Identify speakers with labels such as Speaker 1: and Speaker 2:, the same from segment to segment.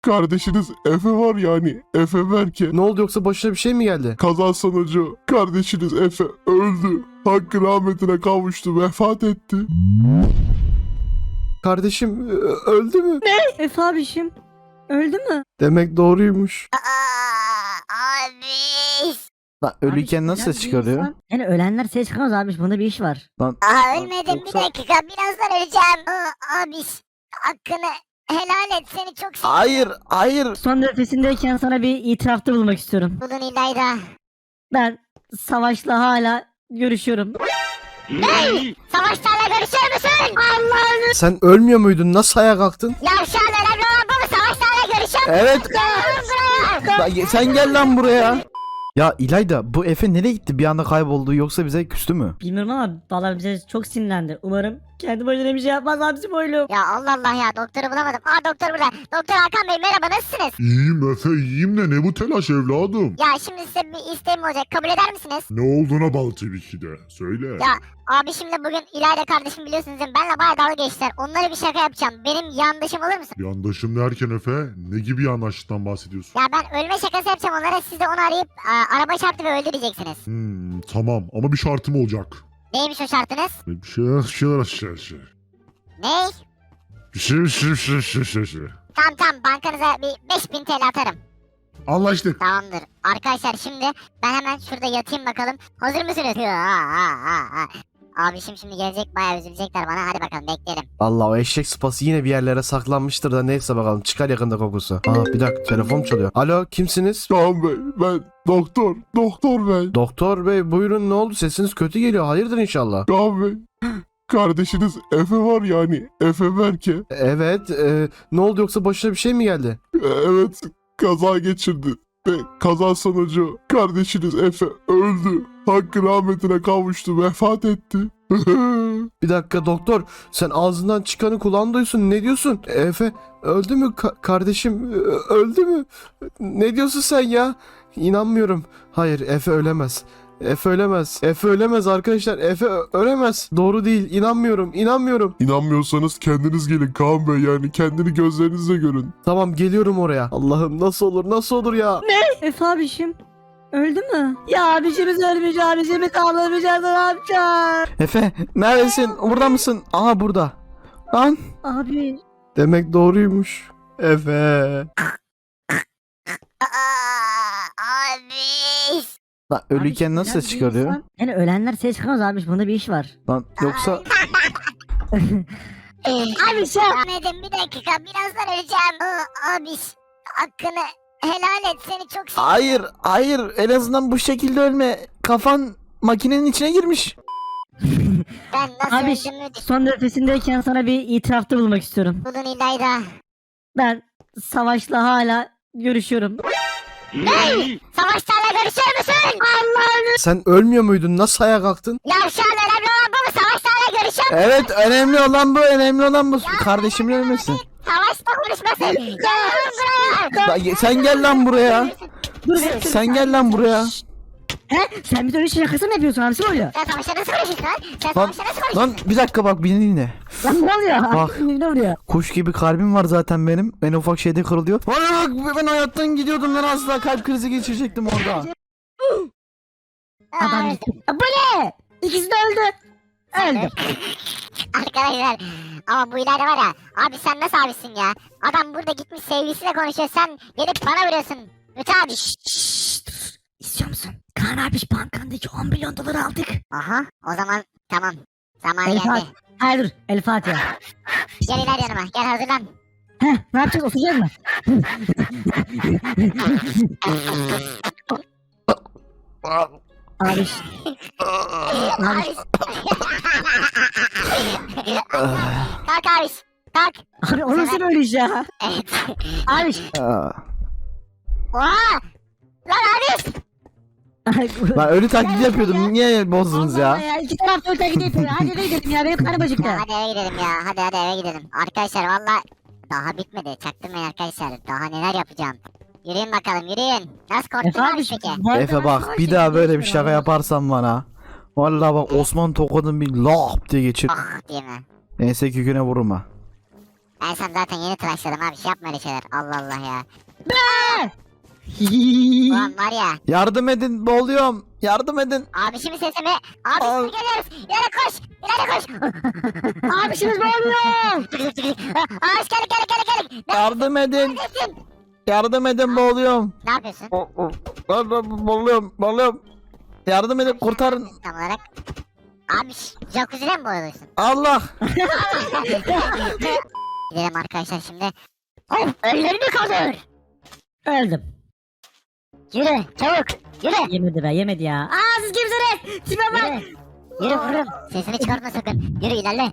Speaker 1: kardeşiniz Efe var yani Efe Berke.
Speaker 2: Ne oldu, yoksa başına bir şey mi geldi?
Speaker 1: Kaza sonucu kardeşiniz Efe öldü. Hakkı rahmetine kavuştu, vefat etti.
Speaker 2: Kardeşim öldü mü?
Speaker 3: Efe abişim öldü mü?
Speaker 2: Demek doğruymuş.
Speaker 4: Abi.
Speaker 2: Lan ölüyken
Speaker 3: Abiş,
Speaker 2: nasıl ses
Speaker 3: bir
Speaker 2: çıkarıyor?
Speaker 3: insan- Yani ölenler ses çıkamaz abiş, bunda bir iş var.
Speaker 2: Lan
Speaker 4: Ölmedim
Speaker 2: Yoksa-
Speaker 4: bir dakika. Birazdan öleceğim. Abi hakkını helal et. Seni çok seviyorum.
Speaker 2: hayır.
Speaker 3: Son nefesindeyken sana bir itirafta bulunmak istiyorum.
Speaker 4: Bulun İlayda.
Speaker 3: Ben Savaş'la hala görüşüyorum.
Speaker 4: Savaşlarla görüşür müsün? Allah'ını.
Speaker 2: Sen ölmüyor muydun? Nasıl ayağa kalktın?
Speaker 4: Yavşan önemli olan bu mu? Savaşlarla görüşür müsün?
Speaker 2: Evet.
Speaker 4: Gel lan buraya.
Speaker 2: Sen gel lan buraya. Ya İlayda, bu Efe nereye gitti? Bir anda kayboldu, yoksa bize küstü mü?
Speaker 3: Bilmiyorum ama vallahi bize çok sinirlendi. Umarım kendi başına bir şey yapmaz abisi boylum.
Speaker 4: Ya Allah Allah ya, doktoru bulamadım. Doktor burada. Doktor Hakan Bey, merhaba, nasılsınız?
Speaker 1: İyiyim Efe, iyiyim de ne bu telaş evladım?
Speaker 4: Ya şimdi size bir isteğim olacak, kabul eder misiniz?
Speaker 1: Ne olduğuna bağlı tabii ki de. Söyle.
Speaker 4: Ya abi şimdi bugün İlayda kardeşim biliyorsunuz değil mi? Benle bayağı dalga geçtiler. Onlara bir şaka yapacağım. Benim yandaşım olur musun?
Speaker 1: Yandaşım derken Efe, ne gibi yandaşlıktan bahsediyorsun?
Speaker 4: Ya ben ölme şakası yapacağım onlara. Siz de onu arayıp araba çarptı ve öldü diyeceksiniz.
Speaker 1: Tamam ama bir şartım olacak.
Speaker 4: Neymiş o şartınız?
Speaker 1: Bir şeyler aşağı.
Speaker 4: Ne?
Speaker 1: Bir şey.
Speaker 4: Tamam bankanıza bir 5000 TL atarım.
Speaker 1: Anlaştık.
Speaker 4: Tamamdır. Arkadaşlar şimdi ben hemen şurada yatayım bakalım. Hazır mısınız? Abişim şimdi gelecek, bayağı üzülecekler bana. Hadi bakalım bekleyelim.
Speaker 2: Allah, o eşek sıpası yine bir yerlere saklanmıştır da, neyse bakalım, çıkar yakında kokusu. Bir dakika, telefon çalıyor. Alo, kimsiniz?
Speaker 1: Kaan Bey, ben doktor Bey.
Speaker 2: Doktor bey, buyurun, ne oldu, sesiniz kötü geliyor, hayırdır inşallah.
Speaker 1: Kaan Bey, kardeşiniz Efe var yani Efe Berke.
Speaker 2: Evet, ne oldu, yoksa başına bir şey mi geldi?
Speaker 1: Evet, kaza geçirdi. Ve kaza sonucu kardeşiniz Efe öldü. Hakkı rahmetine kavuştu, vefat etti.
Speaker 2: Bir dakika doktor, sen ağzından çıkanı kulağın duysun, ne diyorsun? Efe öldü mü? Kardeşim öldü mü? Ne diyorsun sen ya? İnanmıyorum. Hayır, Efe ölemez. Efe ölemez arkadaşlar. Efe ölemez. Doğru değil. İnanmıyorum.
Speaker 1: İnanmıyorsanız kendiniz gelin Kaan Bey, yani kendini gözlerinizle görün.
Speaker 2: Tamam, geliyorum oraya. Allah'ım, nasıl olur ya?
Speaker 3: Efe abişim öldü mü? Ya abişimiz ölmüş, abişimiz ağlamayacağız, ne yapacağız?
Speaker 2: Efe neredesin? Burada mısın? Aha, burada. Lan.
Speaker 3: Abi
Speaker 2: Demek doğruymuş. Efe.
Speaker 4: Abi.
Speaker 2: Lan ölüyken
Speaker 3: abiş,
Speaker 2: nasıl
Speaker 3: biraz
Speaker 2: ses
Speaker 3: bir
Speaker 2: çıkarıyor?
Speaker 3: insan- Yani ölenler ses çıkamaz abiş, bunda bir iş var.
Speaker 2: Lan yoksa...
Speaker 4: Abi ölmedim bir dakika. Birazdan öleceğim. Abi hakkını helal et. Seni çok seviyorum.
Speaker 2: Hayır, en azından bu şekilde ölme. Kafan makinenin içine girmiş.
Speaker 4: Ben nasıl
Speaker 3: Abiş
Speaker 4: öldüğümü
Speaker 3: son nefesindeyken sana bir itirafta bulunmak istiyorum.
Speaker 4: bulun İlayda.
Speaker 3: Ben Savaş'la hala görüşüyorum.
Speaker 4: Savaşlarla görüşür müsün? Allah'ını.
Speaker 2: Sen ölmüyor muydun? Nasıl ayağa kalktın?
Speaker 4: Yavşan önemli olan bu mu? Savaşlarla görüşür müsün?
Speaker 2: Evet, önemli olan bu. Kardeşimin ölmesi.
Speaker 4: Savaşla konuşmasın. Gel lan buraya.
Speaker 2: Lan sen gel lan buraya. Sen gel lan buraya.
Speaker 3: He? Sen bir de öyle şey şakası mı yapıyorsun abisi oluyor?
Speaker 4: Sen savaşla nasıl konuşuyorsun lan? Sen
Speaker 2: Lan,
Speaker 4: savaşla nasıl konuşuyorsun?
Speaker 2: lan bir dakika, bak beni dinle.
Speaker 3: Lan ne oluyor?
Speaker 2: Bak.
Speaker 3: Ne oluyor?
Speaker 2: Kuş gibi kalbim var zaten benim. En ufak şeyde kırılıyor. Bana bak, ben hayattan gidiyordum lan, asla kalp krizi geçirecektim orada.
Speaker 3: Adam
Speaker 4: Ay,
Speaker 3: gitti. Bu ne? İkisi de öldü. Öldü.
Speaker 4: Arkadaşlar ama bu ileride var ya. Abi sen nasıl abisin ya? Adam burada gitmiş sevgilisiyle konuşuyor. Sen gelip bana veriyorsun. Müte abi.
Speaker 3: İstiyor musun? Kaan abiş bankandaki 10 milyon dolar aldık.
Speaker 4: Aha o zaman tamam. Zamanı
Speaker 3: El
Speaker 4: geldi.
Speaker 3: Fatiha. Hayır dur. El Fatiha.
Speaker 4: Gel iler yanıma. Gel hazırlan.
Speaker 3: Heh, ne yapacağız? Oturacağız mı? Abiş.
Speaker 4: Abi. Kalk abi. Kalk.
Speaker 3: Abi o nasıl böyle iş ya?
Speaker 4: Evet.
Speaker 3: Abiş.
Speaker 4: Oha. Lan abi.
Speaker 2: Ben ölü taklidi yapıyordum. Niye bozdunuz
Speaker 3: Allah
Speaker 2: ya?
Speaker 3: ya. İki taraf da öte gidiyor. Hadi eve gidelim ya. Benim karnım acıktı.
Speaker 4: Hadi eve gidelim ya. Hadi eve gidelim. Arkadaşlar valla daha bitmedi. Çaktırmayın arkadaşlar. Daha neler yapacağım. Yürüyün bakalım yürüyün. Nasıl korktun
Speaker 3: Efe
Speaker 4: abi
Speaker 3: abiş.
Speaker 4: peki?
Speaker 3: bu arada
Speaker 2: Efe
Speaker 3: ben
Speaker 2: bak,
Speaker 3: savaş
Speaker 2: bir daha böyle bir
Speaker 3: yapıyorum
Speaker 2: şaka
Speaker 3: abi.
Speaker 2: yaparsan bana. Vallahi bak, Osman tokadın bir lap diye geçir.
Speaker 4: Ah diye mi?
Speaker 2: Neyse, küküne vurma.
Speaker 4: Ben sen zaten yeni tıraşladım abi. Şey yapma öyle şeyler. Allah Allah ya. Ulan var ya.
Speaker 2: Yardım edin, boğuluyorum. Yardım edin.
Speaker 4: Abişimin sesi mi? Abişimi geliyoruz. İleri koş. İleri koş.
Speaker 3: Abişimiz ne oluyor?
Speaker 4: Abiş geldik.
Speaker 2: Yardım edin.
Speaker 4: Neredesin?
Speaker 2: Yardım edin, boğuluyorum.
Speaker 4: Ne yapıyorsun?
Speaker 2: Boğuluyorum. Yardım edin, kurtarın.
Speaker 4: Tam olarak. Abiş jacuzzi'de mi boyalıyorsun?
Speaker 2: Allah.
Speaker 4: Gidelim arkadaşlar şimdi. Of ölülerini kaldır.
Speaker 3: Öldüm.
Speaker 4: Yürü çabuk. Yürü.
Speaker 3: Yemedi be yemedi ya. Aa siz kimsiniz? Tipe bak.
Speaker 4: Yürü. Yürü vururum. Sesini çıkartma sakın. Yürü ilerle.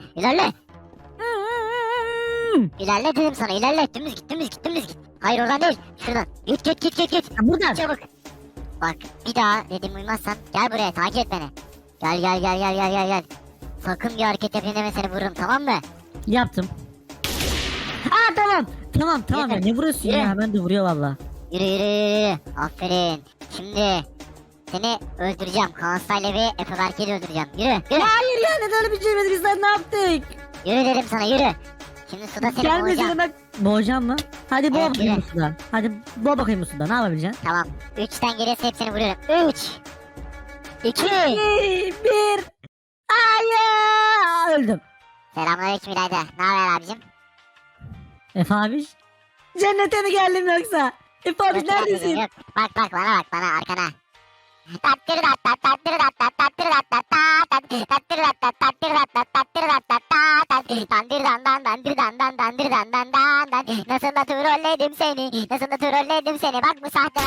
Speaker 4: İlerle dedim sana ilerle. Dümdüz git. Hayır oradan değil. Şuradan. Git.
Speaker 3: Ya buradan.
Speaker 4: Çabuk. Bak bir daha dedim uymazsan gel buraya takip et beni. Gel. Sakın bir hareket yapayım deme seni vururum tamam mı?
Speaker 3: Yaptım. Aa tamam ya
Speaker 4: Yürü.
Speaker 3: ne vuruyorsun
Speaker 4: Yürü.
Speaker 3: ya ben de vuruyor valla.
Speaker 4: Yürü. Aferin. Şimdi seni öldüreceğim. Kaan Style ve Efe Berke'yi de öldüreceğim. Yürü.
Speaker 3: Ya hayır ya neden öyle bir şey yemedik biz sen ne yaptık?
Speaker 4: Yürü dedim sana yürü. Şimdi suda seni
Speaker 3: Gelmesin
Speaker 4: boğacağım.
Speaker 3: demek. Boğacağım mı? Hadi boğa
Speaker 4: Evet,
Speaker 3: bakayım
Speaker 4: yürü.
Speaker 3: bu suda. Hadi boğa bakayım bu suda ne yapabileceksin?
Speaker 4: Tamam. 3'ten geriye hepsini vuruyorum. 3 2
Speaker 3: Bir. Hayır. Öldüm.
Speaker 4: Selamünaleyküm İlayda. Ne haber abicim?
Speaker 3: Efe abi. Cennete mi geldim yoksa? Efe abi
Speaker 4: Yok,
Speaker 3: neredesin?
Speaker 4: yok. Bak bana arkana. Nasıl da trolledim seni bak bu sahte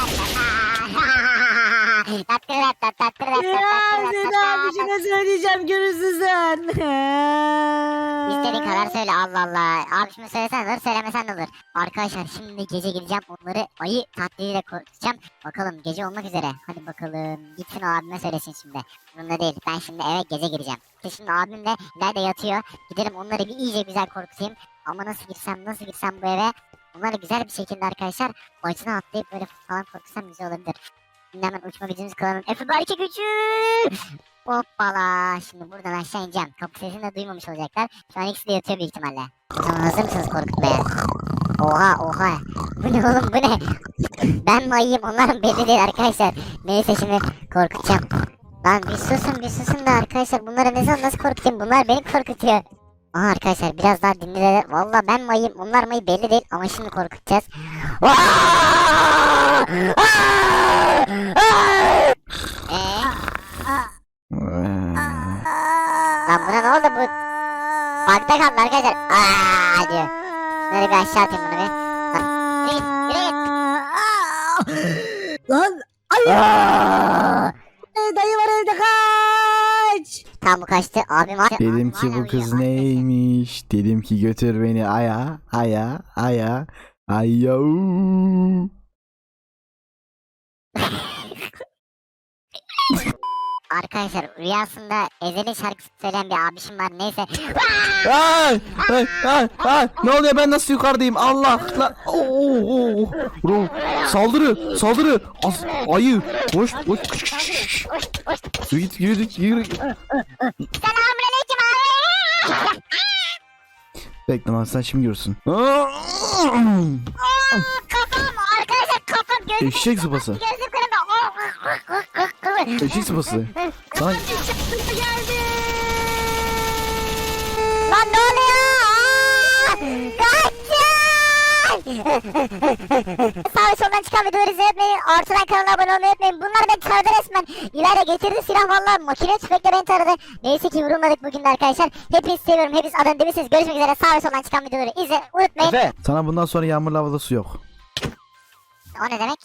Speaker 3: Ya seni abişine söyleyeceğim görürsün sen.
Speaker 4: İstediğin kadar söyle Allah Allah. Abişime söylesen olur söylemesen de olur. Arkadaşlar şimdi gece gideceğim onları ayı taklidiyle korkutacağım. Bakalım gece olmak üzere. Hadi bakalım gitsin o abime söylesin şimdi. Bunda değil ben şimdi eve gece gireceğim. İşte şimdi abim de nerede yatıyor. Gidelim onları bir iyice güzel korkutayım. Ama nasıl girsem bu eve. Onları güzel bir şekilde arkadaşlar bacına atlayıp böyle falan korkutsam güzel olabilir. Şimdi hemen uçma gücümüzü kullanalım. Efe Berke gücü. Hoppala. Şimdi buradan aşağı ineceğim. Kapı sesini de duymamış olacaklar. Şu an ikisi de yatıyor büyük ihtimalle. O zaman hazır mısınız korkutmaya? Oha. Bu ne oğlum bu ne? Ben mi ayıyım onlar mı belli değil arkadaşlar. Neyse şimdi korkutacağım. Lan bir susun da arkadaşlar bunları nasıl korkutayım? Bunlar beni korkutuyor. Aha arkadaşlar biraz daha dinleyelim. Valla ben mi ayıyım onlar mı belli değil ama şimdi korkutacağız. Lan buna ne oldu bu? Bakta kaldı arkadaşlar. Diyor. Şunları bir aşağı atayım bunu bir.
Speaker 3: Lan dayı var evde kaç.
Speaker 4: Tam bu kaçtı. Abim var.
Speaker 2: Dedim ki bu kız neymiş? Dedim ki götür beni aya. Ayau.
Speaker 4: Arkadaşlar rüyasında Ezel'in şarkısı söyleyen bir abişim var. Neyse.
Speaker 2: Ay, ne oluyor ben nasıl yukarıdayım Allah lan. Bro, saldırı ayı koş yürü
Speaker 4: Selamünaleyküm abi.
Speaker 2: bekle lan sen şimdi görürsün.
Speaker 4: Kafam arkadaşlar kafam gözüm.
Speaker 2: Eşek sıpası
Speaker 4: Gözüm kırıldı.
Speaker 2: eşek sıpası lan
Speaker 4: Geldi. Lan ne oluyor? Kaçın. Sağ ve soldan çıkan videoları izlemeyi, ortadan kanala abone olmayı unutmayın. Bunlar beni taradı resmen. İlayda getirdi silah valla. Makine tüfekle beni taradı. Neyse ki vurulmadık bugün de arkadaşlar. Hepinizi seviyorum. Hepiniz adını demişsiniz. Görüşmek üzere. Sağ ve soldan çıkan videoları izle. Unutmayın.
Speaker 2: Efe sana bundan sonra yağmurlu havada su yok.
Speaker 4: O ne demek?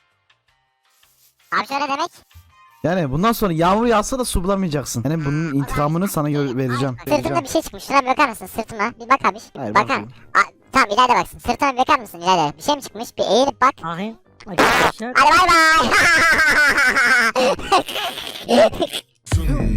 Speaker 4: Abi şöyle demek.
Speaker 2: Yani bundan sonra yağmur yağsa da su bulamayacaksın. Yani bunun intikamını sana vereceğim.
Speaker 4: Sırtımda bir şey çıkmış. Şuna bir bakar mısın sırtıma? Bir bak abi.
Speaker 2: Hayır,
Speaker 4: Bakar.
Speaker 2: bakmayayım.
Speaker 4: Tamam İlayda baksın. Sırtıma bir bakar mısın İlayda? Bir şey mi çıkmış? Bir eğilip bak.
Speaker 3: Bakayım. Arkadaşlar.
Speaker 4: Hadi bay bay.